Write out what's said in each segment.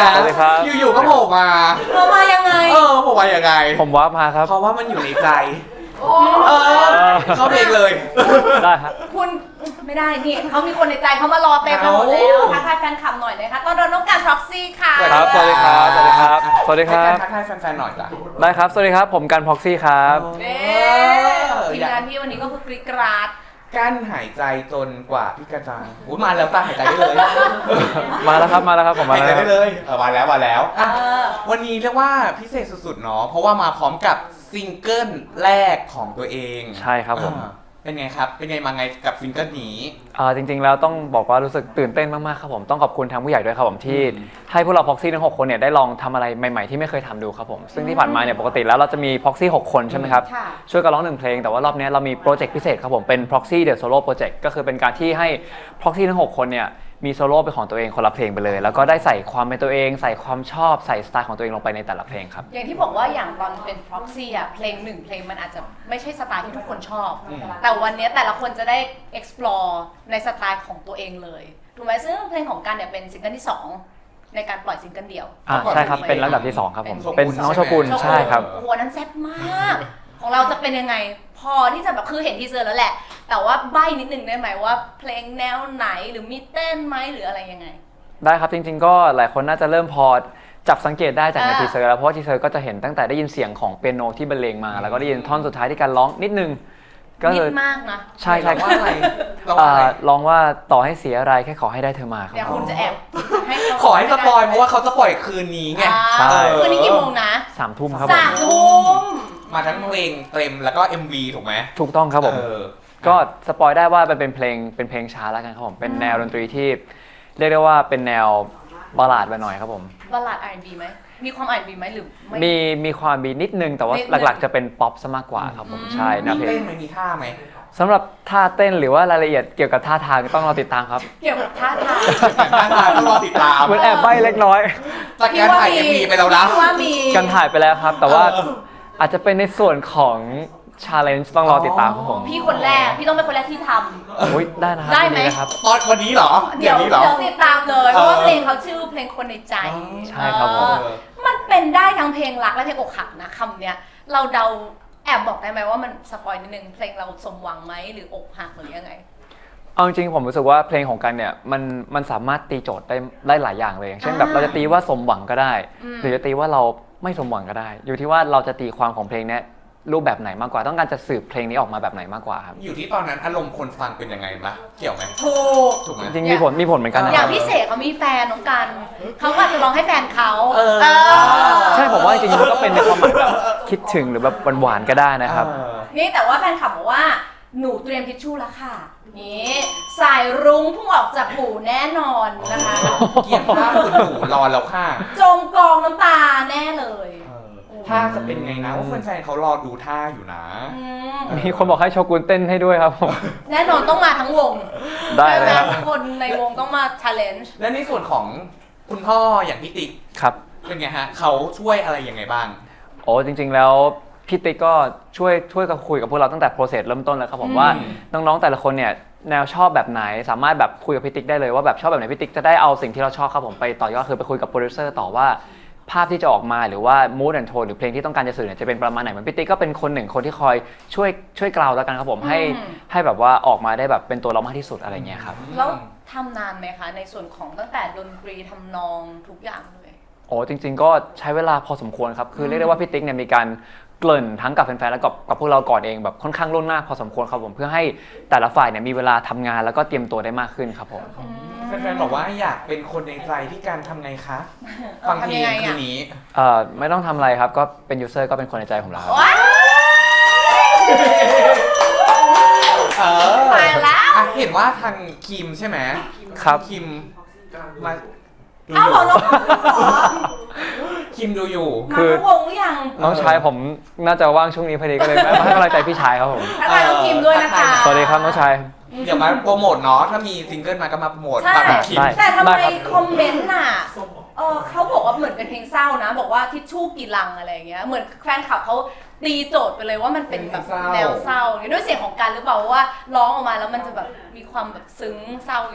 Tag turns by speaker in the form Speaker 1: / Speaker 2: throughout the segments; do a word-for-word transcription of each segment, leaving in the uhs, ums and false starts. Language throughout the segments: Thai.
Speaker 1: นะ
Speaker 2: สวัสดีครับ
Speaker 1: อยู่ๆก็โผล่มา
Speaker 3: เรามายังไง
Speaker 1: เออโผล่มายังไง
Speaker 2: ผมว่ามาครับ
Speaker 1: เพราะว่ามันอยู่ในใจ
Speaker 3: โอ้
Speaker 1: เออเข้าเพลงเลย
Speaker 2: ได้ครับ
Speaker 3: คุณไม่ได้นี่เขามีคนในใจเขามารอเต็มไปหมดแล้วทักทายแฟนคลับหน่อยนะคะต้อนรับน้องการพ็อกซี่ค่ะ
Speaker 2: ครับสวัสดีครับสวัสดีครับสวัสดีครับ
Speaker 1: ให้การทักทายแฟนๆหน่อยจ้ะ
Speaker 2: ได้ครับ สวัสดีครับ ผมกันพ็อกซี่ครับ
Speaker 3: เน่ทีมงานพี่วันนี้ก็คือกริกราด
Speaker 1: กั้นหายใจจนกว่าพี่กระจังอุ้ยมาแล้วตาหายใจได้เลย
Speaker 2: มาแล้วครับ มาแล้วครับ ผมมา
Speaker 1: หาย
Speaker 2: แล้ว
Speaker 1: ใจ
Speaker 2: ครั
Speaker 1: ได้
Speaker 2: บ
Speaker 1: เลยเออมาแล้วมาแล้ว
Speaker 3: เอ
Speaker 1: อ่ะ
Speaker 3: อ
Speaker 1: วันนี้เรียกว่าพิเศษสุดๆเนาะเพราะว่ามาพร้อมกับซิงเกิลแรกของตัวเอง
Speaker 2: ใช่ครับผม
Speaker 1: อ่าเป็นไงครับ เป็นไงมาไงกับซิงเกิลนี้
Speaker 2: อ่าจริงๆ แล้วต้องบอกว่ารู้สึกตื่นเต้นมากๆ ครับผม ต้องขอบคุณทางผู้ใหญ่ด้วยครับผมที่
Speaker 1: อืม
Speaker 2: ให้พวกเราพ็อกซี่ทั้งหกคนเนี่ยได้ลองทำอะไรใหม่ๆ ที่ไม่เคยทำดูครับผม ซึ่งที่ผ่านมาเนี่ยปกติแล้วเราจะมีพ็อกซี่หกคนใช่ไหมครับ
Speaker 3: ค่ะ
Speaker 2: ช่วยกันร้องหนึ่งเพลง แต่ว่ารอบนี้เรามีโปรเจกต์พิเศษครับผม เป็น Proxy The Solo Project ก็คือเป็นการที่ให้ Proxy ทั้งหกคนเนี่ยมีโซโล่เป็นของตัวเองคนละเพลงไปเลย แล้วก็ได้ใส่ความเป็นตัวเอง ใส่ความชอบใส่สไตล์ของตัวเองลงไปในแต่ละเพลงครับ
Speaker 3: อย่างที่บอกว่าอย่างตอนเป็น proxy อ่ะเพลงหนึ่งเพลงมันอาจจะไม่ใช่สไตล์ที่ทุกคนชอบ
Speaker 1: อืม
Speaker 3: แต่วันนี้แต่ละคนจะได้ explore ในสไตล์ของตัวเองเลยถูกไหมซึ่งเพลงของกันเนี่ยเป็นซิงเกิลที่สองในการปล่อยซิงเกิลเดี่ยว
Speaker 2: อ่าใช่ครับ เป็นลำดับที่สองครับผม
Speaker 1: เป็
Speaker 2: เป็น
Speaker 1: น
Speaker 2: น้องโชกุน
Speaker 3: โชกุน
Speaker 2: ใช่ครับ
Speaker 3: โอ้โหอันนั้นแซ่บมาก ของเราจะเป็นยังไง พอที่จะแบบคือเห็นทีเซอร์แล้วแหละ แต่ว่าใบ้นิดนึงได้ไหมว่าเพลงแนวไหนหรือมีเต้นไหมหรืออะไรยังไง
Speaker 2: ได้ครับจริงๆ ก็หลายคนน่าจะเริ่มพอจับสังเกตได้จากใน
Speaker 3: อ่า
Speaker 2: ทีเซอร์แล้วเพราะว่าทีเซอร์ก็จะเห็นตั้งแต่ได้ยินเสียงของเปียโนที่บรรเลงมา แล้วก็ได้ยินท่อนสุดท้ายที่การร้องนิดนึงก็
Speaker 3: นิ
Speaker 2: คือ
Speaker 3: ดมากนะ
Speaker 2: ใช่ใช่
Speaker 1: ร้องว่าอะไรร้อง
Speaker 2: อ่า
Speaker 1: ว่าอะไร
Speaker 2: ร้องว่าต่อให้เสียอะไรแค่ขอให้ได้เธอมาครับ
Speaker 3: เดี๋ยวคุณจะแอบให้เขา
Speaker 1: ขอให้สปอยเพราะว่าเขาจะปล่อยคืนนี้ไง
Speaker 2: ใช่
Speaker 3: คืนนี้กี่โมงนะ
Speaker 2: สามทุ่มครับผม
Speaker 3: สามทุ่ม
Speaker 1: มาทั้งเพลงเต็มแล้วก็ เอ็ม วี ถูกไหม
Speaker 2: ถูกต้องครับผม
Speaker 1: เออ
Speaker 2: ก็สปอยได้ว่ามันเป็นเพลงเป็นเพลงช้าแล้วกันครับผมเป็นแนวดนตรีที่เรียกได้ว่าเป็นแนวบัลลาดไปหน่อยครับผม
Speaker 3: บัลลาด อาร์ แอนด์ บี ไหมมีความ อาร์ แอนด์ บี ไหมหรือไม่
Speaker 2: มีมีความบีนิดนึงแต่ว่า
Speaker 3: นิดนึง
Speaker 2: หลักๆจะเป็นป๊อปซะมากกว่าครับผม
Speaker 3: อืม
Speaker 2: ใช่แนว
Speaker 1: มี
Speaker 2: เพล
Speaker 1: เต้
Speaker 2: ง
Speaker 1: นไหมมีท่าไหม
Speaker 2: สำหรับท่าเต้นหรือว่ารายละเอียดเกี่ยวกับท่าทางต้องรอติดตามครับ
Speaker 3: เกี่ยวกับท่าทาง
Speaker 1: ท่าทางต้องรอติดตาม
Speaker 2: เหมือนแอบใบ้เล็กน้อย
Speaker 1: จากการถ่าย เอ็ม วี ไปแล้วนะ
Speaker 3: พี่ว่ามี
Speaker 2: กันถ่ายไปแล้วครับ แต่ว่า
Speaker 1: เออ
Speaker 2: อาจจะเป็นในส่วนของ challenge ต้องรอติดตามครับผม
Speaker 3: พี่คนแรก พี่ต้องเป็นคนแรกที่ท
Speaker 2: อุ๊ยได้นะครับ
Speaker 3: ได้ไหม
Speaker 2: ยินนะครับ
Speaker 1: ตอนวันนี้เหรอ
Speaker 3: ำ
Speaker 1: เดี๋ยวนี้เหรอ
Speaker 3: เดี๋ยวติดตามเลย เพ
Speaker 1: เออ
Speaker 3: ราะว่าเพลงเขาชื่อเพลงคนในใจ
Speaker 2: ใช่ครับผม
Speaker 3: เออมันเป็นได้ทั้งเพลงรักและเพลงอกหักนะคำเนี้ย เราเดาแอบบอกได้ไหมว่ามันสปอยนิดนึงเพลงเราสมหวังไหมหรืออกหักหรือยังไง
Speaker 2: เอาจริงๆผมรู้สึกว่าเพลงของกันเนี่ยมันมันสามารถตีโจทย์ได้ได้หลายอย่างเลยอย่างเช่นแบบ
Speaker 3: อ่า
Speaker 2: เราจะตีว่าสมหวังก็ได้
Speaker 3: อืม
Speaker 2: หรือจะตีว่าเราไม่สมหวังก็ได้ อยู่ที่ว่าเราจะตีความของเพลงเนี้ยรูปแบบไหนมากกว่า ต้องการจะสื่อเพลงนี้ออกมาแบบไหนมากกว่าครับ
Speaker 1: อยู่ที่ตอนนั้นอารมณ์คนฟังเป็นยังไงปะเกี่ยวไหม
Speaker 3: ถูก
Speaker 1: ถูกไหม
Speaker 2: จริงๆมีผลมีผลเหมือนกันนะ
Speaker 3: อ
Speaker 2: ค
Speaker 3: ย่า
Speaker 2: รั
Speaker 3: ง
Speaker 2: บ
Speaker 3: พี่เสกเขามีแฟนน้องกัน เขาก็อาจจะร้องให้แฟนเขา
Speaker 1: เออ
Speaker 3: เออ
Speaker 2: ใช่ผมว่าจริงๆมันก็เป็นในความหมายแบบคิดถึงหรือแบบหวานๆก็ได้นะครับ
Speaker 1: เออ
Speaker 3: นี่แต่ว่าแฟนคลับบอกว่าหนูเตรียมทิชชู่แล้วค่ะ นี่สายรุ้งพุ่งออกจากหูแน่นอนนะคะ
Speaker 1: เกี่ยวข้าวคุณหนูรอแล้วค่ะ
Speaker 3: จมกองน้ำตาแน่เลย
Speaker 1: เออท่าจะเป็นไงนะว่าแฟนๆเขารอดูท่าอยู่นะ
Speaker 3: อืม
Speaker 2: มีคนบอกให้โชกุนเต้นให้ด้วยครับผม
Speaker 3: แน่นอนต้องมาทั้งวง
Speaker 2: ได้เลยครับ
Speaker 3: ทุกคนในวงต้องมา challenge
Speaker 1: และในส่วนของคุณพ่ออย่างพี่ติ๊ก
Speaker 2: ครับ
Speaker 1: เป็นไงฮะเขาช่วยอะไรยังไงบ้าง
Speaker 2: โอ้จริงๆแล้วพี่ติ๊กก็ช่วยช่วยกับคุยกับพวกเราตั้งแต่โปรเซสเริ่มต้นแล้วครับผม
Speaker 1: อืม
Speaker 2: ว่าน้องๆแต่ละคนเนี่ยแนวชอบแบบไหนสามารถแบบคุยกับพี่ติ๊กได้เลยว่าแบบชอบแบบไหนพี่ติ๊กจะได้เอาสิ่งที่เราชอบครับผมไปต่อยอดคือไปคุยกับโปรดิวเซอร์ต่อว่าภาพที่จะออกมาหรือว่า mood and tone หรือเพลงที่ต้องการจะสื่อเนี่ยจะเป็นประมาณไหนเหมือนพี่ติ๊กก็เป็นคนหนึ่งคนที่คอยช่วยช่วยกล่าวแล้วกันครับผมให้
Speaker 3: อืม
Speaker 2: ให้แบบว่าออกมาได้แบบเป็นตัวเรามากที่สุดอะไรเงี้ยครับ
Speaker 3: แล้วทำนานไหมคะ ในส่วนของตั้งแต่ดนตรีทำนองทุกอย่างเลย
Speaker 2: โอ้จริงๆก็ใช้เวลาพอสมควรครับคือเรียกได้ว่าพี่ติ๊กเนี่ยมีการเกริ่นทั้งกับแฟนๆแล้วกับกับพวกเราก่อนเองแบบค่อนข้างล่วงหน้าพอสมควรครับผมเพื่อให้แต่ละฝ่ายเนี่ยมีเวลาทำงานแล้วก็เตรียมตัวได้มากขึ้นครับผม
Speaker 1: แฟนๆบอกว่าอยากเป็นคนในใจที่การทำไงคะ ฟังเพลง
Speaker 3: ทำยังไง
Speaker 1: คื
Speaker 3: อะ
Speaker 1: นนี้
Speaker 2: เอ่อไม่ต้องทำอะไรครับก็เป็นยูเซอร์ก็เป็นคนในใจผมแล้วครับ
Speaker 3: ว้าว
Speaker 1: เออ
Speaker 3: ตายแล้ว
Speaker 1: อ่ะเห็นว่าทางคิมใช่ไหม
Speaker 2: ครับ
Speaker 1: คิมมาดูอ
Speaker 3: เอา
Speaker 1: ยู่
Speaker 3: เหรอน้องขอ
Speaker 1: คิมดูอยู่
Speaker 3: มาทั้งวงหรือยัง
Speaker 2: น้องชายผมน่าจะว่างช่วงนี้พอดีก็เลยมาให้กำลังใจพี่ชายครับผม
Speaker 3: ทักทายน้องคิมด้วยนะคะ
Speaker 2: สวัสดีครับน้องชาย
Speaker 1: เดี๋ยวมาโปรโมทเนาะถ้ามีซิงเกิลมาก็มาโปรโมท
Speaker 3: ใช่
Speaker 1: ฝากกับคิม
Speaker 2: ได้
Speaker 3: แต่ทำไม
Speaker 2: ครับ
Speaker 3: คอมเมนต์น่ะเออเขาบอกว่าเหมือนเป็นเพลงเศร้านะ บอกว่าทิชชู่กี่ลังอะไรอย่างเงี้ย เหมือนแฟนคลับเขาตีโจทย์ไปเลยว่ามันเป็นแบบแนวเศร้าอย่างด้วยเสียงของกันหรือเปล่าว่าร้องออกมาแล้วมันจะแบบมีความแบบซึ้งเศร้าอยู่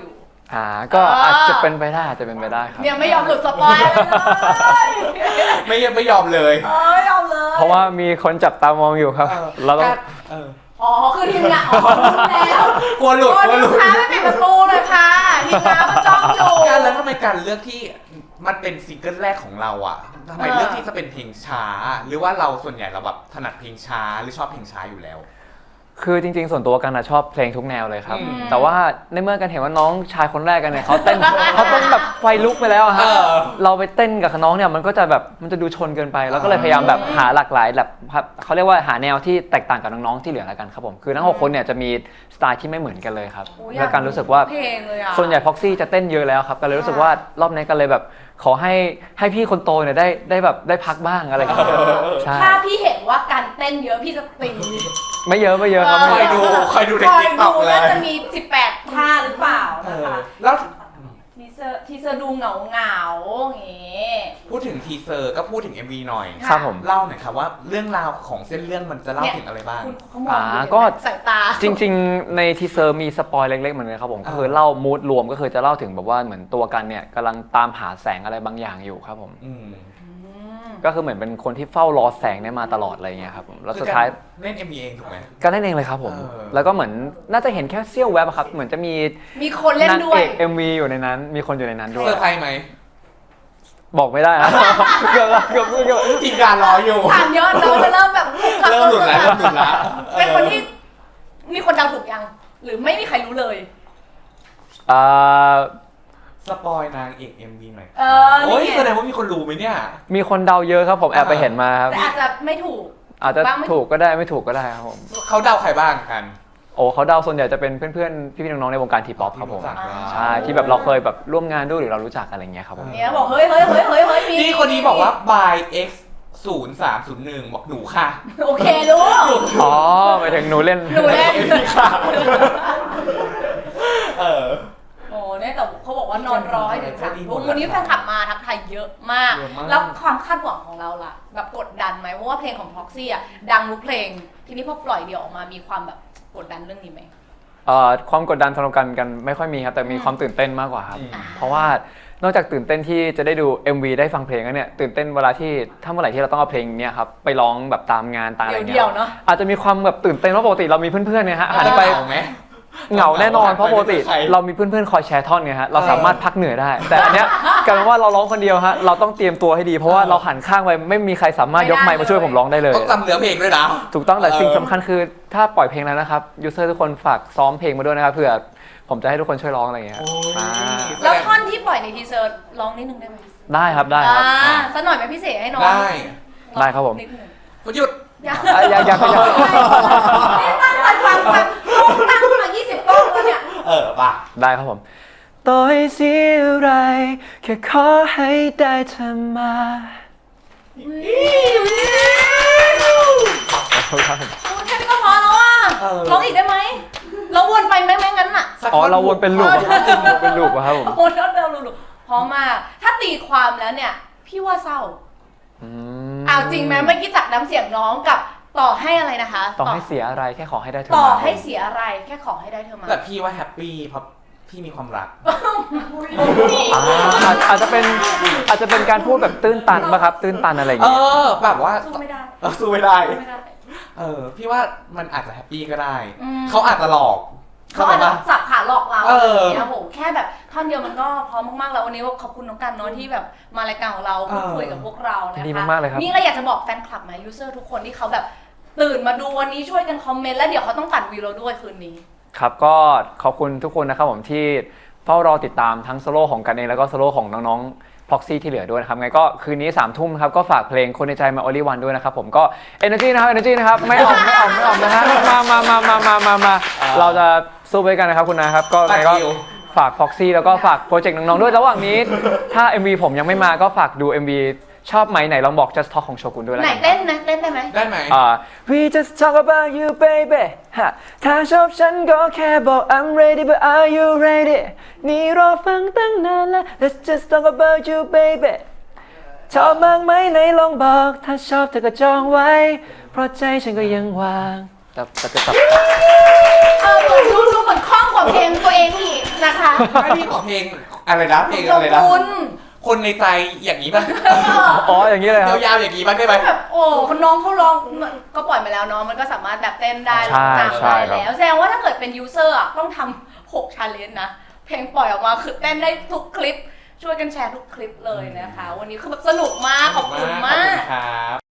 Speaker 2: อ่าก็อาจจะเป็นไปได้อาจจะเป็นไปได้ครับ
Speaker 3: เนี่ยไม่ยอมหลุดสปอยเลย
Speaker 1: ไม่ไม่ยอมเลย
Speaker 3: เออไม่ยอมเลย
Speaker 2: เพราะว่ามีคนจับตามองอยู่ครับ
Speaker 1: เออ
Speaker 2: เราต้อง
Speaker 1: เออ
Speaker 3: อ๋อคือทีมงานอ๋อรู้แล้ว
Speaker 1: กลัวหลุด
Speaker 3: โอ้
Speaker 1: กลัวห
Speaker 3: ลู
Speaker 1: ลุ
Speaker 3: ก
Speaker 1: ด
Speaker 3: ค้าไม่ปิดประตูเลยค่ะทีมงานมันจ้องอยู่
Speaker 1: การแล้วทำไมการเลือกที่มันเป็นซิงเกิลแรกของเราอ่ะทำไม
Speaker 3: เออ
Speaker 1: เลือกที่จะเป็นเพลงช้า หรือว่าเราส่วนใหญ่เราแบบถนัดเพลงช้าหรือชอบเพลงช้าอยู่แล้ว
Speaker 2: คือจริงๆ ส่วนตัวกันนะชอบเพลงทุกแนวเลยครับ
Speaker 1: อืม
Speaker 2: แต่ว่าในเมื่อกันเห็นว่าน้องชายคนแรกกันเนี่ยเขาเต้น เขาเต้นแบบไฟลุกไปแล้วอะฮะ
Speaker 1: เออ
Speaker 2: เราไปเต้นกับน้องเนี่ยมันก็จะแบบมันจะดูชนเกินไป แล้วก็เลยพยายามแบบหาหลากหลายแบบเขาเรียกว่าหาแนวที่แตกต่างกับน้องๆที่เหลือแล้วกันครับผมคือทั้งหกคนเนี่ยจะมีสไตล์ที่ไม่เหมือนกันเลยครับ
Speaker 3: โอ้ย
Speaker 2: แล้วกันรู้สึกว่า
Speaker 3: เพลงเลยอะ
Speaker 2: ส่วนใหญ่พ็อกซี่จะเต้นเยอะแล้วครับก็เลยรู้สึกว่ารอบนี้กันเลยแบบขอให้ให้พี่คนโตเนี่ยได้ได้แบบได้พักบ้างอะไรอย่างเงี้ยใช่
Speaker 3: ถ้าพี่เห็นว่าการเต้นเยอะพี่จะตี
Speaker 2: ไม่เยอะไม่เยอะครับ
Speaker 1: คอยดูคอยดูใน
Speaker 3: คอย
Speaker 1: TikTok
Speaker 3: ดู
Speaker 1: เลย
Speaker 3: น่าจะมีสิบแปดท่าหรือเปล่า
Speaker 1: เอ
Speaker 3: นะ
Speaker 1: อ
Speaker 3: คะ
Speaker 1: แล้ว
Speaker 3: ทีเซอร์ทีเซอร์ดูเหงาเหงาๆอย่างงี้
Speaker 1: พูดถึงทีเซอร์ก็พูดถึง เอ็ม วี หน่อย
Speaker 3: ค่ะ
Speaker 2: ครับผม
Speaker 1: เล่าหน่อยครับว่าเรื่องราวของเส้นเรื่องมันจะเล่าถึงอะไรบ้าง
Speaker 3: คุณเขามอง
Speaker 2: อ่า
Speaker 3: ดู
Speaker 2: ก็
Speaker 3: สายตา
Speaker 2: จริงๆ ในทีเซอร์มีสปอยเล็กๆ เหมือนกันครับผม
Speaker 1: อ่า
Speaker 2: ก็คือเล่ามูดรวมก็คือจะเล่าถึงแบบว่าเหมือนตัวกันเนี่ยกำลังตามหาแสงอะไรบางอย่างอยู่ครับผม
Speaker 1: อืม
Speaker 3: อืม
Speaker 2: ก็คือเหมือนเป็นคนที่เฝ้ารอแสงเนี่ยมาตลอดอะไรเงี้ยครับผมแล้วสุดท้าย
Speaker 1: คือการเล่น เอ็ม วี เองถูกไหม
Speaker 2: ก็เล่นเองเลยครับผม
Speaker 1: เออ
Speaker 2: แล้วก็เหมือนน่าจะเห็นแค่เสี้ยวแวบอะครับเหมือนจะมี
Speaker 3: มีคนเล่น
Speaker 2: นาง
Speaker 3: ด้ว
Speaker 2: เอย ก เอ็ม วี อยู่ในนั้น มีคนอยู่ในนั้นด้วย
Speaker 1: เซอร์ไพรส์ไหม
Speaker 2: บอกไม่ได้นะ เกือบละเกือบเกือบ
Speaker 1: ทีมงานรออยู่
Speaker 3: ถามเยอะเราจะเริ่มแบบ
Speaker 1: เริ่มหลุดแล้วเริ่มหลุดแล้ว
Speaker 3: เป็นคนที่มีคนเดาถูกยัง หรือไม่มีใครรู้เลย
Speaker 2: อ่า
Speaker 1: สปอยนางเอก เอ็ม วี หน่อย
Speaker 3: เออ
Speaker 1: โอ้ย
Speaker 3: นี่ไง
Speaker 1: แสดงว่ามีคนรู้ไหมเนี่ย
Speaker 2: มีคนเดาเยอะครับผมแอบไปเห็นมาครับ
Speaker 3: แต่อาจจะไม่ถูก
Speaker 2: อาจจะ
Speaker 3: บ้างไม่
Speaker 2: ถูกก็ได้ไม่ถูกก็ได้ครับผม
Speaker 1: เขาเดาใครบ้างกัน
Speaker 2: โอ้เขาเดาส่วนใหญ่จะเป็นเพื่อนๆ พี่ๆ น้องๆ ในวงการทีป๊อปครับผม
Speaker 1: ที่รู้จักแล้ว
Speaker 2: ใช่ ที่แบบเราเคยแบบร่วมงานด้วยหรือเรารู้จักอะไรเงี้ยครับผม
Speaker 3: เนี่ยบอกเฮ้ยเฮ้ยเฮ้ยเฮ้ยเฮ้ยมี
Speaker 1: พี่คนนี้บอกว่า by x ศูนย์สามศูนย์หนึ่งบอกหนูค่ะ
Speaker 3: โอเครู้
Speaker 2: อ๋อหมายถึงหนูเล่น
Speaker 3: หนูเล่น
Speaker 1: ค่ะ เออ
Speaker 3: โอ้เนี่ยแต่เขาบอกว่านอนรอให้ถึงสามทุ่มวันนี้แฟนคลับมาทักทายเยอะมาก
Speaker 1: เยอะมาก
Speaker 3: แล้วความคาดหวังของเราล่ะ แบบกดดันไหมเพราะว่าเพลงของ Proxy อ่ะดังทุกเพลง ทีนี้พอปล่อยเดี่ยวออกมามีความแบบกดดันเรื่องนี้ไหม
Speaker 2: เอ่อความกดดันสำหรับกันกันไม่ค่อยมีครับแต่มีความตื่นเต้นมากกว่าครับ
Speaker 1: อืม
Speaker 2: เพราะว่านอกจากตื่นเต้นที่จะได้ดู เอ็ม วี ได้ฟังเพลงแล้วเนี่ยตื่นเต้นเวลาที่ถ้าเมื่อไหร่ที่เราต้องเอาเพลงเนี้ยครับไปร้องแบบตามงานตามอะไร
Speaker 3: เดี่
Speaker 2: เงี้
Speaker 3: ยวย ๆเนาะ
Speaker 2: อาจจะมีความแบบตื่นเต้นเพราะปกติเรามีเพื่อนๆเนี่ยฮะหันไป
Speaker 1: เหงาไหม
Speaker 2: เหงาแน่นอนเพราะปกติ
Speaker 1: ใคร
Speaker 2: เรามีเพื่อนๆคอยแชร์ท่อนไงฮะเรา
Speaker 1: เออ
Speaker 2: สามารถพักเหนื่อยได้ แต่อันเนี้ยกลายเป็นว่าเราร้องคนเดียวฮะเราต้องเตรียมตัวให้ดีเพราะว่าเราหันข้างไปไม่มีใครสามารถยกไมค์มาช่วยผมร้องได้เลย
Speaker 1: ต้องจำเนื้อเพลงด้วยนะ
Speaker 2: ถูกต้องแต่
Speaker 1: เออ
Speaker 2: สิ่งสำคัญคือถ้าปล่อยเพลงแล้วนะครับยูเซอร์ทุกคนฝากซ้อมเพลงมาด้วยนะครับเผื่อผมจะให้ทุกคนช่วยร้องอะไรอย่างเงี้ย
Speaker 1: โอ้ย
Speaker 2: อ่า
Speaker 3: แล้วท่อนที่ปล่อยในทีเซอร์ร้องนิดนึงได้ไหม
Speaker 2: ได้ครับได้ครับ
Speaker 3: อ่าสักหน่อยไหมพี่เสกให้น้อง
Speaker 1: ได้
Speaker 2: ได้ครับผม
Speaker 3: นิดนึง
Speaker 1: ประยุทธ์
Speaker 3: อยาก
Speaker 2: อ่ะอยากอยากอยาก
Speaker 3: นี่ตั้งใจฟังแบบตั้งมายี่สิบกล้องแล้วเนี่ย
Speaker 1: เออป่ะ
Speaker 2: ได้ครับผมต่อให้เสียอะไรแค่ขอให้ได้เธอมาขอบคุณครับผม
Speaker 3: โอ้แค่นี้ก็พอแล้วอ่ะ
Speaker 1: เออ
Speaker 3: ร้องอีกได้ไหมเราวนไปไหมไม่งั้นอ่ะ
Speaker 1: สัก
Speaker 2: อ๋อ
Speaker 1: ท่
Speaker 2: เราวนเป็นลูปเป็นลูปอะครับผม
Speaker 3: โอ้ยอดเดิมลูกพร้อมมาก ถ้าตีความแล้วเนี่ย พี่ว่าเศร้า
Speaker 2: อืม
Speaker 3: เอาจริงไหมเมื่อกี้จากน้ำเสียงน้องกับต่อให้อะไรนะคะ
Speaker 2: ต่อให้เสียอะไรแค่ขอให้ได้เธอ
Speaker 3: ต่อ
Speaker 2: มา
Speaker 3: ให้เสียอะไรแค่ขอให้ได้เธอมา
Speaker 1: แต่พี่ว่าแฮปปี้เพราะพี่มีความรัก
Speaker 2: อ่าอาจอาจจะเป็นอาจจะเป็นการพูดแบบตื้นตันป่ะครับ ตื้นตันอะไรอย่าง
Speaker 1: เอ
Speaker 2: เงี้ย
Speaker 1: อ แบบว่า
Speaker 3: สู้ไม่ได้
Speaker 1: เออสู้ไม่ได้
Speaker 3: สู้ไม่ได้
Speaker 1: เออ พี่ว่ามันอาจจะแฮปปี้ก็ได้
Speaker 3: อืม
Speaker 1: เขาอาจจะหลอก
Speaker 3: เขาอาจจะสับขาหลอกเรา
Speaker 1: เออ
Speaker 3: เนี่ยโหแค่แบบท่อนเดียวมันก็พร้อมมากๆแล้ววันนี้ว่าขอบคุณน้องกันเนาะที่แบบมารายการของเราพูดคุยกับพวกเรานะคะ
Speaker 2: ดีมากๆเลยครับ
Speaker 3: นี่เราอยากจะบอกแฟนคลับไหมยูเซอร์ทุกคนที่เขาแบบตื่นมาดูวันนี้ช่วยกันคอมเมนต์แล้วเดี๋ยวเขาต้องตัดวิวเราด้วยคืนนี้
Speaker 2: ครับก็ขอบคุณทุกคนนะครับผมที่เฝ้ารอติดตามทั้งโซโล่ของกันเองแล้วก็โซโล่ของน้องๆ Proxy ที่เหลือด้วยนะครับไงก็คืนนี้สามทุ่มครับก็ฝากเพลงคนในใจมา Only One ด้วยนะครับผมก็ Energy นะครับ Energy นะครับไม่อ่อมไม่อ่อมไม่อ่อมนะฮะมามามามามามามาเราจะสู้ไปด้วยกันนะครับคุณนะครับก็ไงก็
Speaker 1: ฝากดิว
Speaker 2: ฝาก Proxy แล้วก็ฝากโปรเจกต์น้องๆด้วยระหว่างนี้ถ้า เอ็ม วี ผมยังไม่มาก็ฝากดู เอ็ม วี ชอบไหมไหนลองบอก Just Talk ของโชกุนด้วยแล้ว
Speaker 3: ไหน
Speaker 2: กัน
Speaker 3: เต้นนะเต้นได้ไหม
Speaker 1: ได้ไหม
Speaker 2: อ่า We just talk about you baby ฮะถ้าชอบฉันก็แค่บอก I'm ready but are you ready นี่รอฟังตั้งนานแล้ว Let's just talk about you baby ชอบมากไหมไหนลองบอก ถ้าชอบเธอก็จองไว้ เพราะใจฉันก็ยังว่าง
Speaker 1: เ
Speaker 2: จะจะจะจะ
Speaker 3: เออเหมือนดูดูเหมือนคล่องกว่าเพลงตัวเองอีกนะคะ
Speaker 1: ไม่พี่ขอเพลงอะไรนะเพลง
Speaker 3: ขอ
Speaker 1: อะ
Speaker 3: บ
Speaker 1: ไรนะ
Speaker 3: คุณ
Speaker 1: คนในใจอย่างนี้ป่ะ
Speaker 2: อ๋ออย่างนี้เลยครับ
Speaker 1: ยาวๆอย่างนี้บ้างได้ไหม
Speaker 3: แบบโอ้คนน้องเขาร้องมันก็ปล่อยมาแล้วเนาะมันก็สามารถแบบเต้นได้
Speaker 2: ใช่
Speaker 3: ร้องตาม
Speaker 2: ใช่
Speaker 3: ได้
Speaker 2: ครับ
Speaker 3: แล้วแสดงว่าถ้าเกิดเป็นยูเซอร์อ่ะต้องทำหกชาเลนจ์นะ เพลงปล่อยออกมาคือเต้นได้ทุกคลิป ช่วยกันแชร์ทุกคลิปเลยนะคะ วันนี้คือแบบสนุกมากขอบคุณมาก
Speaker 1: ขอบคุณครับ